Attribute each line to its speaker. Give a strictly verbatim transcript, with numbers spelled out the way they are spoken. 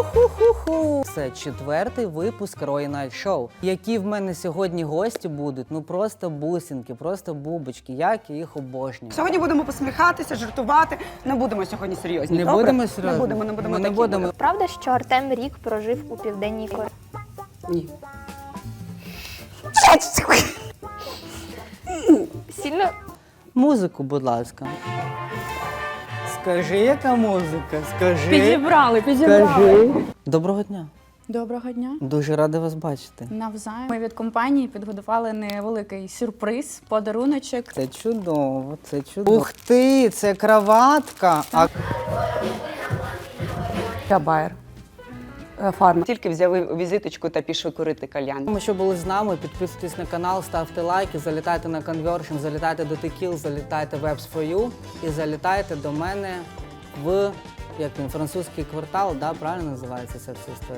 Speaker 1: Уху-ху-ху! Це четвертий випуск Roy Night Show. Які в мене сьогодні гості будуть, ну просто бусинки, просто бубочки, як я їх обожнюю.
Speaker 2: Сьогодні будемо посміхатися, жартувати. Не будемо сьогодні серйозні.
Speaker 1: Не
Speaker 2: добре?
Speaker 1: будемо серйозно?
Speaker 2: Не будемо, не будемо
Speaker 1: Ми не
Speaker 2: такі.
Speaker 1: будемо.
Speaker 3: Правда, що Артем рік прожив у Південній Кореї?
Speaker 2: Ні.
Speaker 3: Сильно
Speaker 1: Музику, будь ласка. Скажи, яка музика? Скажи.
Speaker 4: Підібрали, підібрали.
Speaker 1: Скажи. Доброго дня.
Speaker 4: Доброго дня.
Speaker 1: Дуже радий вас бачити.
Speaker 4: Навзаєм. Ми від компанії підготували невеликий сюрприз, подаруночок.
Speaker 1: Це чудово, це чудово. Ух ти, це краватка. А
Speaker 2: Я Байер. Фарма. Тільки взяли візиточку та пішли курити кальян.
Speaker 1: Тому що були з нами, підписуйтесь на канал, ставте лайки, залітайте на Conversion, залітайте до Tequil, залітайте в Apps фор ю і залітайте до мене в як він, французький квартал, да, правильно називається ця вся історія?